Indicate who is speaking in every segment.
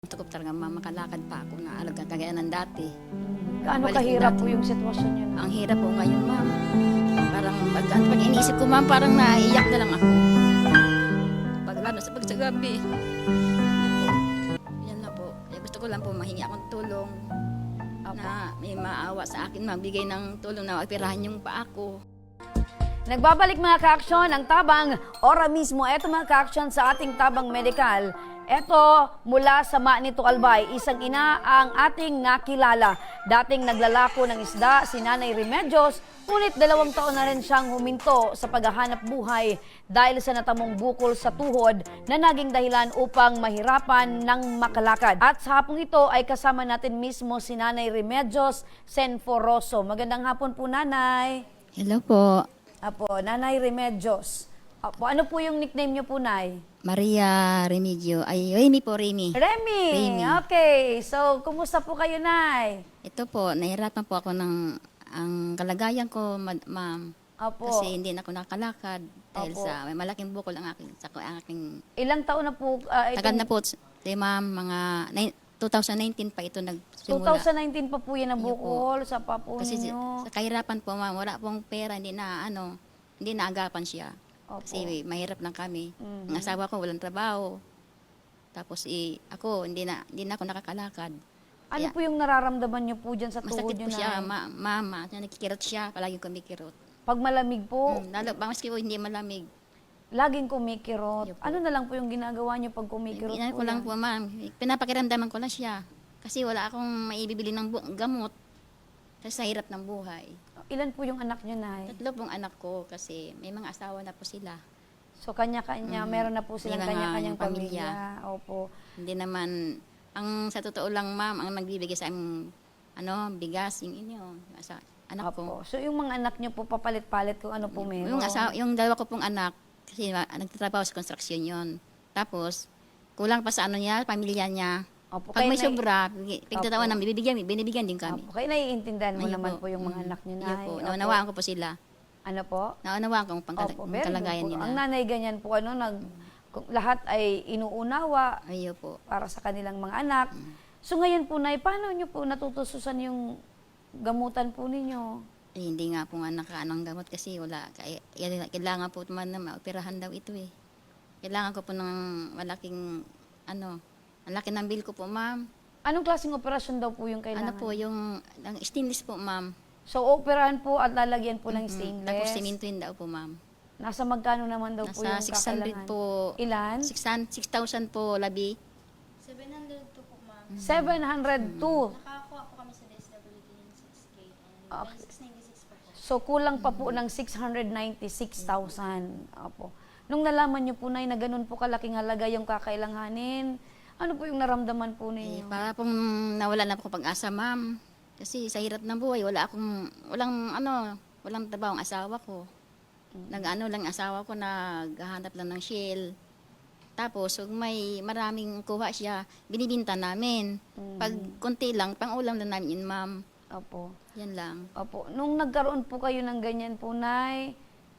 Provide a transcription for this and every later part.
Speaker 1: Gusto ko talaga makalakad pa ako na alaga kagaya ng dati.
Speaker 2: Gaano
Speaker 1: Balik
Speaker 2: kahirap
Speaker 1: dati.
Speaker 2: po yung sitwasyon niyo na?
Speaker 1: Ang hirap po ngayon, ma'am. Parang pag iniisip ko, ma'am, parang naiiyak na lang ako. Lalo sa pagsagabi. Yan po. Yan na po. Gusto ko lang po mahingi akong tulong. Na may maawa sa akin, magbigay ng tulong na operahan yung paa ko.
Speaker 2: Nagbabalik mga ka-aksyon ang tabang ora mismo. Eto mga ka-aksyon sa ating tabang medikal. Eto mula sa Manito Albay, isang ina ang ating nakilala. Dating naglalako ng isda si Nanay Remedios, ngunit 2 taon na rin siyang huminto sa paghahanap buhay dahil sa natamong bukol sa tuhod na naging dahilan upang mahirapan ng makalakad. At sa hapong ito ay kasama natin mismo si Nanay Remedios Senforoso. Magandang hapon po, Nanay.
Speaker 1: Hello po.
Speaker 2: Apo, Nanay Remedios. Apo, ano po yung nickname niyo po, Nay?
Speaker 1: Maria Remedio. Ay, Remy po, Remy.
Speaker 2: Remy.
Speaker 1: Remy.
Speaker 2: Okay. So, kumusta po kayo, Nay?
Speaker 1: Ito po, nahirapan po ako ng ang kalagayan ko, ma'am.
Speaker 2: Apo.
Speaker 1: Kasi hindi na ako nakakalakad dahil
Speaker 2: Opo.
Speaker 1: sa may malaking bukol ang aking
Speaker 2: Ilang taon na po?
Speaker 1: tagal na po, ma'am, mga 2019 pa ito nagsimula.
Speaker 2: 2019 pa po yan ang
Speaker 1: Iyo po.
Speaker 2: bukol sa papo
Speaker 1: Kasi
Speaker 2: ninyo.
Speaker 1: sa kahirapan po, ma'am, wala pong pera, hindi naagapan siya.
Speaker 2: Opo.
Speaker 1: Kasi mahirap lang kami.
Speaker 2: Mhm.
Speaker 1: Ang asawa ko walang trabaho. Tapos ako, hindi na ako nakakalakad.
Speaker 2: Ano
Speaker 1: Kaya,
Speaker 2: po yung nararamdaman niyo po dyan sa tuhod
Speaker 1: masakit
Speaker 2: niyo,
Speaker 1: po siya,
Speaker 2: Nay?
Speaker 1: mama. Nakikirot siya, palagi kumikirot.
Speaker 2: Pag malamig po,
Speaker 1: Lalo, maski po hindi malamig.
Speaker 2: laging kumikirot.
Speaker 1: Iyo po.
Speaker 2: Ano na lang po yung ginagawa niyo pag kumikirot
Speaker 1: Hindi
Speaker 2: po
Speaker 1: ko lang
Speaker 2: yan?
Speaker 1: po, ma'am. Pinapakiramdaman ko lang siya. Kasi wala akong maibibili ng gamot. Kasi sa hirap ng buhay.
Speaker 2: Ilan po yung anak niyo, Nay?
Speaker 1: 3 pong anak ko kasi may mga asawa na po sila.
Speaker 2: So, kanya-kanya, meron na po silang
Speaker 1: May mga
Speaker 2: kanya-kanyang
Speaker 1: pamilya.
Speaker 2: pamilya. Opo.
Speaker 1: Hindi naman, sa totoo lang, ma'am, ang nagbibigay sa amin, bigas, yung anak ko.
Speaker 2: Opo. So, yung mga anak niyo po papalit-palit kung ano po meron.
Speaker 1: Yung 2 ko pong anak, kasi nagtatrabaho sa construction yon. Tapos, kulang pa sa niya, pamilya niya.
Speaker 2: Opo.
Speaker 1: Pag may
Speaker 2: Nay-
Speaker 1: sobra, pagtatawan ng binibigyan din kami.
Speaker 2: Opo. Kaya naiintindihan mo
Speaker 1: Ayun
Speaker 2: naman
Speaker 1: po.
Speaker 2: po yung mga anak niyo,
Speaker 1: Ayun
Speaker 2: Nay.
Speaker 1: po,
Speaker 2: Opo.
Speaker 1: naunawaan ko po sila.
Speaker 2: Ano po?
Speaker 1: Naunawaan ko
Speaker 2: Opo,
Speaker 1: ang
Speaker 2: very good
Speaker 1: kalagayan
Speaker 2: po.
Speaker 1: nila.
Speaker 2: Ang nanay ganyan po, kung lahat ay inuunawa
Speaker 1: Ayun po.
Speaker 2: para sa kanilang mga anak. So ngayon po, Nay, paano niyo po natutususan yung gamutan po ninyo?
Speaker 1: Hindi nga po nga nakaanong gamot kasi wala. Kailangan po naman na maoperahan daw ito eh. Kailangan ko po ng malaking, ang laki ng bill ko po, ma'am.
Speaker 2: Anong klaseng operasyon daw po yung kailangan?
Speaker 1: Ano po, yung stainless po, ma'am.
Speaker 2: So, operahan po at lalagyan po ng stainless.
Speaker 1: Tapos simintuin daw po, ma'am.
Speaker 2: Nasa magkano naman daw po yung
Speaker 1: Nasa 600
Speaker 2: kakailangan?
Speaker 1: po.
Speaker 2: Ilan?
Speaker 1: 6,000 po, labi.
Speaker 3: 702 po, ma'am.
Speaker 2: 702.
Speaker 3: Nakakuha po kami sa DSWD ng 6K and
Speaker 2: Okay.
Speaker 3: 696 po po.
Speaker 2: So, kulang pa po ng 696,000. Opo. Nung nalaman niyo po, Nay, na ganun po kalaking halaga yung kakailanganin, ano po yung naramdaman po ninyo?
Speaker 1: Para pong nawala na po akong pag-asa, ma'am. Kasi sa hirap ng buhay, walang trabaho ang asawa ko. Lang asawa ko, naghahanap lang ng shell. Tapos, kung may maraming kuha siya, binibinta namin. Pag konti lang, pang-ulam lang namin yun, ma'am.
Speaker 2: Opo.
Speaker 1: Yan lang.
Speaker 2: Opo. Nung nagkaroon po kayo ng ganyan po, Nay,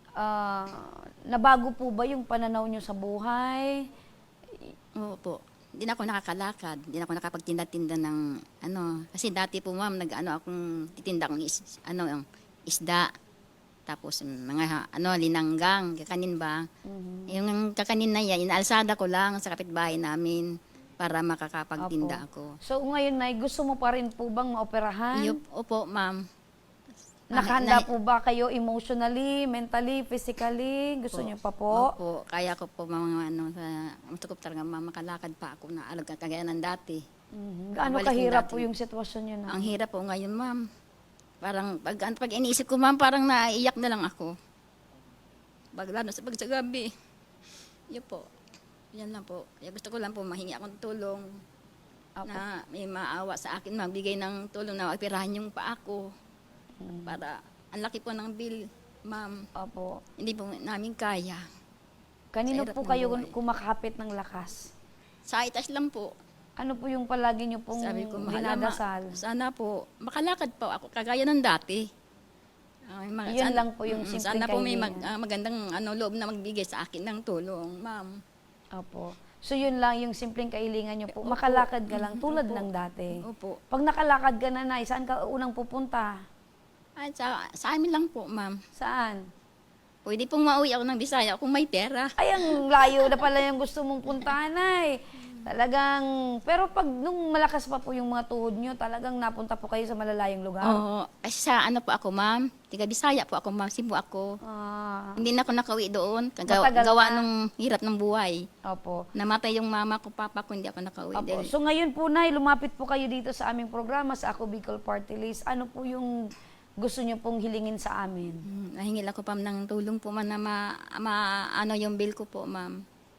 Speaker 2: nabago po ba yung pananaw nyo sa buhay?
Speaker 1: Oo po. Hindi na ako nakakalakad. Hindi na ako nakapagtinda-tinda ng Kasi dati po, ma'am, akong titinda akong isda. Tapos mga linanggang, kakanin ba? Yung kakanin na yan, inaalsada ko lang sa kapitbahay namin para makakapagtinda ako.
Speaker 2: So ngayon, Nay, gusto mo pa rin po bang maoperahan?
Speaker 1: Opo, ma'am.
Speaker 2: Nakahanda po ba kayo emotionally, mentally, physically? Gusto niyo pa po?
Speaker 1: Opo, kaya ko po gusto ko talaga makalakad pa ako na alaga kagaya ng dati.
Speaker 2: Gaano
Speaker 1: Balik yung
Speaker 2: kahirap
Speaker 1: dati.
Speaker 2: po yung sitwasyon niyo, Nay?
Speaker 1: Ang hirap po ngayon, ma'am. Parang pag iniisip ko, ma'am, parang naiiyak na lang ako. Lalo sa pagsagabi. Yun po. Yan lang po. Kaya gusto ko lang po mahingi akong tulong na may maawa sa akin, magbigay ng tulong na operahan yung paa ko. Para ang laki po ng bill, ma'am.
Speaker 2: Opo.
Speaker 1: Hindi po namin kaya.
Speaker 2: Kanino
Speaker 1: Sa hirap
Speaker 2: po
Speaker 1: ng
Speaker 2: kayo
Speaker 1: buhay.
Speaker 2: kumakapit ng lakas?
Speaker 1: Sa itas lang po.
Speaker 2: Ano po yung palagi niyo pong
Speaker 1: Sabi ko,
Speaker 2: dinadasal?
Speaker 1: sana po, makalakad po ako, kagaya ng dati.
Speaker 2: Yun lang po yung simpleng
Speaker 1: Sana po may
Speaker 2: kahilingan.
Speaker 1: magandang loob na magbigay sa akin ng tulong, ma'am.
Speaker 2: Opo. So yun lang yung simpleng kahilingan nyo po. Makalakad ka lang tulad
Speaker 1: Opo.
Speaker 2: ng dati.
Speaker 1: Opo.
Speaker 2: Pag nakalakad ka na, Nay, saan ka unang pupunta?
Speaker 1: At sa amin lang po, ma'am.
Speaker 2: Saan?
Speaker 1: Pwede pong mauwi ako ng Bisaya kung may pera.
Speaker 2: Ay, ang layo na pala yung gusto mong puntahan, Nay. Talagang, pero pag nung malakas pa po yung mga tuhod nyo, talagang napunta po kayo sa malalayong lugar.
Speaker 1: Oo. Kasi sa ano po ako, ma'am. Tiga Bisaya po ako, ma'am. Cebu ako.
Speaker 2: Ah,
Speaker 1: Hindi na ako nakauwi doon.
Speaker 2: Matagal
Speaker 1: Gawa
Speaker 2: na.
Speaker 1: nung hirap ng buhay.
Speaker 2: opo.
Speaker 1: Namatay yung mama ko, papa ko, hindi ako nakauwi.
Speaker 2: Opo.
Speaker 1: Dahil,
Speaker 2: So ngayon po, Nay, lumapit po kayo dito sa aming programa, sa Ako Bicol Party List. Ano po yung gusto nyo pong hilingin sa amin?
Speaker 1: nahingil ako pa ng tulong po, ma'am, na ano yung bill ko po, ma'am.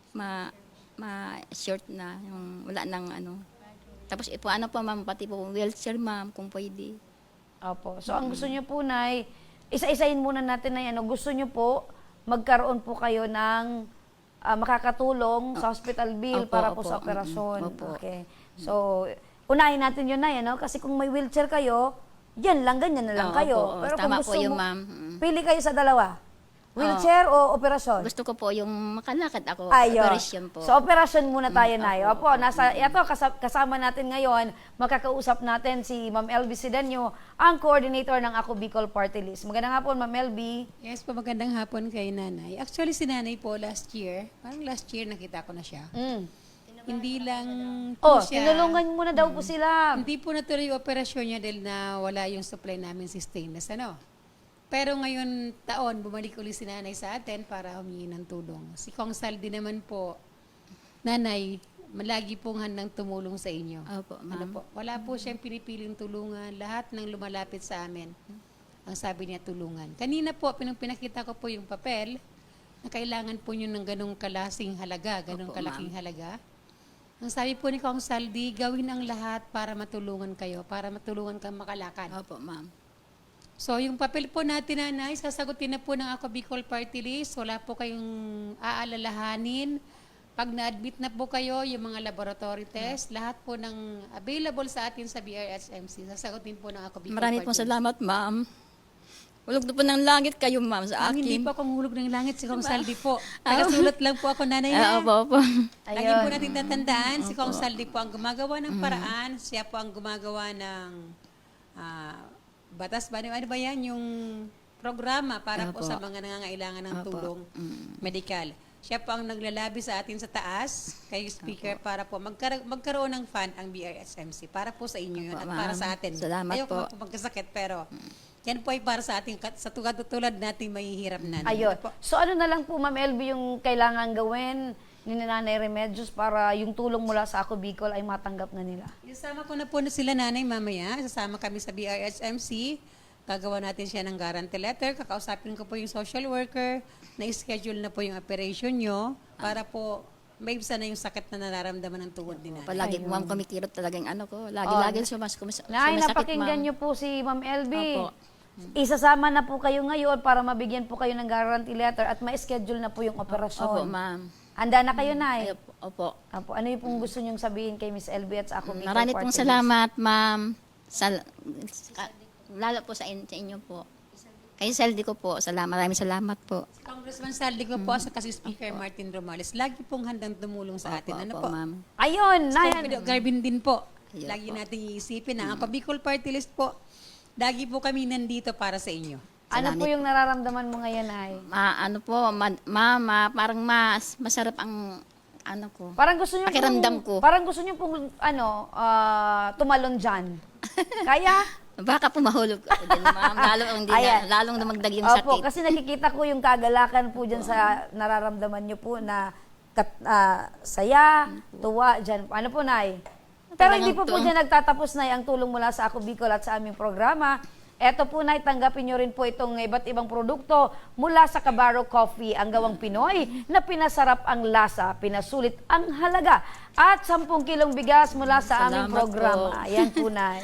Speaker 1: Ma-short na. Yung wala nang ano. Tapos ipo ano po, ma'am, pati po wheelchair, ma'am, kung pwede.
Speaker 2: Opo. So ang gusto nyo po, Nay, isa-isahin muna natin na yan. Gusto nyo po, magkaroon po kayo ng makakatulong sa hospital bill
Speaker 1: Opo,
Speaker 2: para po
Speaker 1: opo.
Speaker 2: sa operasyon.
Speaker 1: Opo.
Speaker 2: Okay. So, unahin natin yun, Nay, ano? Kasi kung may wheelchair kayo, yan lang, ganyan na lang
Speaker 1: Oo,
Speaker 2: kayo.
Speaker 1: opo,
Speaker 2: Pero
Speaker 1: tama
Speaker 2: kung
Speaker 1: po
Speaker 2: gusto
Speaker 1: yun,
Speaker 2: mo,
Speaker 1: ma'am.
Speaker 2: pili kayo sa dalawa. Wheelchair o operasyon?
Speaker 1: Gusto ko po yung makalakad ako.
Speaker 2: Ayun.
Speaker 1: Operation po.
Speaker 2: So, operasyon muna tayo, Nay.
Speaker 1: opo,
Speaker 2: Opo, kasama natin ngayon, makakausap natin si Ma'am LB Sidanyo, ang coordinator ng Ako Bicol Party List. Magandang hapon, Ma'am LB.
Speaker 4: Yes po, magandang hapon kay nanay. Actually, si nanay po last year, parang last year nakita ko na siya. Hindi lang po siya.
Speaker 2: Tinulungan muna daw po sila.
Speaker 4: Hindi po natuloy yung operasyon niya dahil na wala yung supply namin si stainless. Ano? Pero ngayon taon, bumalik ulit si nanay sa atin para humingi ng tulong. Si Kong Saldi naman po, nanay, malagi pong handang tumulong sa inyo.
Speaker 1: Opo, ma'am.
Speaker 4: Ano po? Wala po siyang pinipiling tulungan. Lahat ng lumalapit sa amin, ang sabi niya tulungan. Kanina po, pinakita ko po yung papel na kailangan po nyo ng ganong kalasing halaga, ganong
Speaker 1: Opo,
Speaker 4: kalaking halaga. Ang sabi po ni Kong Saldi, gawin ang lahat para matulungan kayo, para matulungan kang makalakad.
Speaker 1: Opo, ma'am.
Speaker 4: So, yung papel po natin, nanay, sasagutin na po ng Ako Bicol Party List. Wala po kayong aalalahanin. Pag na-admit na po kayo, yung mga laboratory test, lahat po ng available sa atin sa BRSMC, sasagutin po ng Ako Bicol
Speaker 1: Marami
Speaker 4: Party
Speaker 1: pong
Speaker 4: List.
Speaker 1: salamat, ma'am. Hulog na po ng langit kayo, ma'am, sa
Speaker 4: Ang hindi
Speaker 1: akin.
Speaker 4: po akong hulog ng langit, si Kong Saldi po. Tagasulat lang po ako, nanay.
Speaker 1: Opo, opo.
Speaker 4: Lagi po natin tatandaan, si Kong Saldi po ang gumagawa ng paraan, siya po ang gumagawa ng batas ba? Ano ba yan? Yung programa para po
Speaker 1: Opo.
Speaker 4: sa mga nangangailangan ng
Speaker 1: Opo.
Speaker 4: tulong medikal. Siya po ang naglalabi sa atin sa taas, kay speaker, para po magkaroon ng fund ang BRSMC. Para po sa inyo yun
Speaker 1: Opo,
Speaker 4: at para
Speaker 1: ma'am.
Speaker 4: sa atin.
Speaker 1: Salamat
Speaker 4: Ayoko
Speaker 1: po.
Speaker 4: po magkasakit, pero yan po ay para sa ating, sa tulad natin mahihirap na.
Speaker 2: Ayun.
Speaker 4: Po.
Speaker 2: So, ano na lang po, Ma'am LB, yung kailangan gawin ni Nanay Remedios para yung tulong mula sa Ako Bicol ay matanggap na nila?
Speaker 4: Isama ko na po na sila, nanay, mamaya. Sasama kami sa BRSMC. Gagawa natin siya ng guarantee letter. Kakausapin ko po yung social worker. Na-schedule na po yung operation nyo para po maibsan na yung sakit na nararamdaman ng tuhod din natin.
Speaker 1: Palagi po, ma'am, kumikirot talaga yung ano ko. Lagi sumasakit,
Speaker 2: Nay,
Speaker 1: ma'am.
Speaker 2: napakinggan niyo po si Ma'am LB.
Speaker 1: Opo.
Speaker 2: Isasama na po kayo ngayon para mabigyan po kayo ng guarantee letter at ma-schedule na po yung
Speaker 1: Opo,
Speaker 2: operasyon.
Speaker 1: ma'am.
Speaker 2: Handa na kayo, Nay?
Speaker 1: Ay, opo.
Speaker 2: Opo. Ano yung pong gusto niyong sabihin kay Miss LB at sa Ako Bicol
Speaker 1: Marami
Speaker 2: Party
Speaker 1: pong
Speaker 2: List?
Speaker 1: salamat, ma'am. Lalo po sa inyo po. Kay Saldi ko po, maraming salamat po.
Speaker 4: Si Congressman Saldi ko po sa kasi Speaker Martin Romales, lagi pong handang tumulong sa atin. Ano po?
Speaker 1: ma'am.
Speaker 2: Ayun, Nay.
Speaker 4: Pero Garvin din po.
Speaker 1: Ayun
Speaker 4: Lagi
Speaker 1: po.
Speaker 4: natin iisipin na ang Bicol Party List po, lagi po kami nandito para sa inyo.
Speaker 2: Ano po yung nararamdaman mo ngayon, Nay?
Speaker 1: Ano po, mama, parang masarap ang ano ko.
Speaker 2: Parang gusto niyo
Speaker 1: Pakiramdam ko.
Speaker 2: Parang gusto niyo pong tumalon diyan. Kaya?
Speaker 1: Baka po mahulog ako din, ma'am.
Speaker 2: Ayan.
Speaker 1: Lalong dumagdag yung
Speaker 2: Opo,
Speaker 1: sakit.
Speaker 2: kasi nakikita ko yung kagalakan po diyan sa nararamdaman niyo po na saya, tuwa diyan. Ano po, Nay? Pero hindi po diyan nagtatapos, Nay, ang tulong mula sa Ako Bicol at sa aming programa. Eto po, Nay, tanggapin nyo rin po itong iba't ibang produkto mula sa Cabarro Coffee, ang gawang Pinoy na pinasarap ang lasa, pinasulit ang halaga, at 10 kilong bigas mula sa aming
Speaker 1: Salamat
Speaker 2: programa.
Speaker 1: po.
Speaker 2: Ayan po, Nay.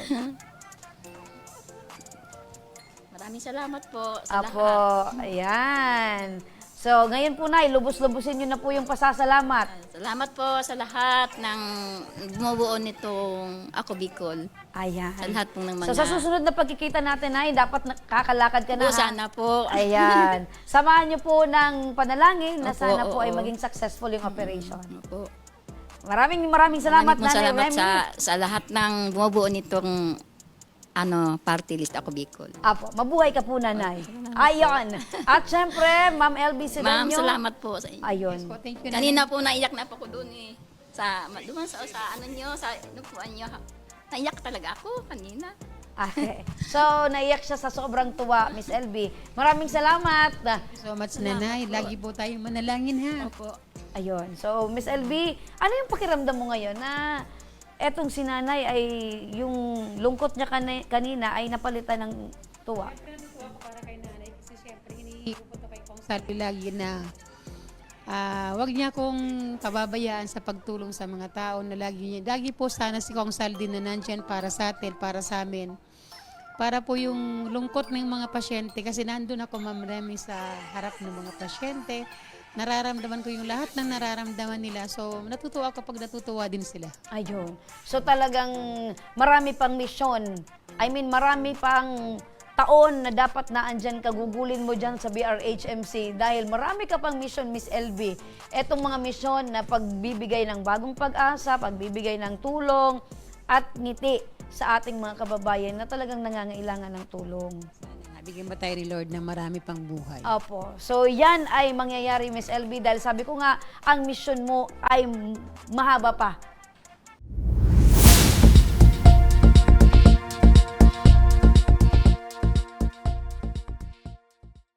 Speaker 1: Maraming salamat po sa
Speaker 2: Apo,
Speaker 1: lahat.
Speaker 2: ayan. So, ngayon po, Nay, lubos-lubusin nyo na po yung pasasalamat.
Speaker 1: Salamat po sa lahat ng bumubuo nitong Ako Bicol.
Speaker 2: Ayan.
Speaker 1: Sa lahat po ng mga...
Speaker 2: So, sa susunod na pagkikita natin, Nay, dapat kakalakad ka na.
Speaker 1: Po,
Speaker 2: ha?
Speaker 1: sana po.
Speaker 2: Ayan. Samahan niyo po ng panalangin na
Speaker 1: Opo,
Speaker 2: sana po ay
Speaker 1: oo.
Speaker 2: maging successful yung operation.
Speaker 1: Opo.
Speaker 2: Maraming salamat,
Speaker 1: Maraming pong
Speaker 2: Nanay
Speaker 1: salamat
Speaker 2: Remy.
Speaker 1: sa lahat ng bumubuo nitong party list ako Bicol.
Speaker 2: Apo, mabuhay ka po, Nanay. Ayon. At syempre, Ma'am LB
Speaker 1: Ma'am,
Speaker 2: Silenio.
Speaker 1: salamat po sa inyo.
Speaker 2: Ayun.
Speaker 4: Po, thank you.
Speaker 1: Kanina po naiyak na po ko doon eh. Doon sa ano nyo, sa inupuan nyo. Naiyak talaga ako kanina.
Speaker 2: Okay. So, naiyak siya sa sobrang tuwa, Miss LB. Maraming salamat.
Speaker 4: So much, Nanay. Lagi po tayong manalangin, ha?
Speaker 1: Opo.
Speaker 2: Ayun. So, Miss LB, ano yung pakiramdam mo ngayon na etong si Nanay ay yung lungkot niya kanina ay napalitan ng tuwa?
Speaker 4: Natutuwa ako para kay Nanay kasi siyempre hinihingi ko kay Kong Salvi lagi na wag niya akong pababayaan sa pagtulong sa mga tao na lagi po sana si Kong Salvi na nandyan para sa atin, para sa amin. Para po yung lungkot ng mga pasyente kasi nandun ako, Ma'am Remy, sa harap ng mga pasyente. Nararamdaman ko yung lahat ng nararamdaman nila. So, natutuwa ako pag natutuwa din sila.
Speaker 2: Ayun. So, talagang marami pang misyon. I mean, marami pang taon na dapat na andyan ka, gugulin mo dyan sa BRHMC dahil marami ka pang mission, Miss LB. Etong mga mission na pagbibigay ng bagong pag-asa, pagbibigay ng tulong at ngiti sa ating mga kababayan na talagang nangangailangan ng tulong.
Speaker 4: Nabigyan ba tayo ni Lord ng marami pang buhay?
Speaker 2: Opo. So, yan ay mangyayari, Miss LB, dahil sabi ko nga, ang mission mo ay mahaba pa.